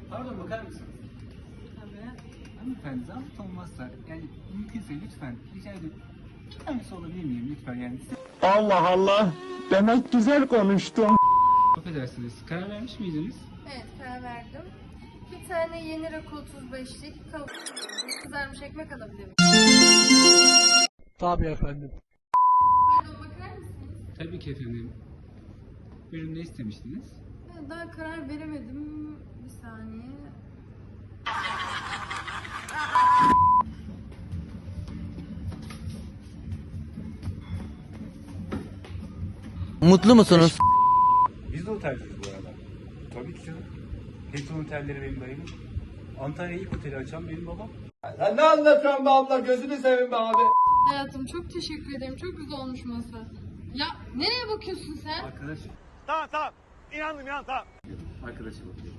Pardon, bakar mısınız? Tabii. Hanımefendi, zahmet olmazsa yani mümkünse lütfen rica ediyorum. Bir tanesi olabilir miyim lütfen yani? Allah Allah. Demek güzel konuştun. Affedersiniz, karar vermiş miydiniz? Evet, karar verdim. Bir tane yeni rakı 35'lik kızarmış ekmek alabilir miyim? Tabii efendim. Pardon, bakar mısınız? Tabii ki efendim. Buyurun, ne istemiştiniz? Daha karar veremedim. Bir saniye. Mutlu musunuz? Biz de otelciyiz bu arada. Tabii ki canım. Hilton otelleri benim dayımın. Antalya'ya ilk oteli açan benim babam. Sen ne anlatıyorsun be abla? Gözünü seveyim be abi. Hayatım çok teşekkür ederim. Çok güzel olmuş masa. Ya nereye bakıyorsun sen? Arkadaş. Tamam. İnandım tamam. Arkadaşa bakıyorum.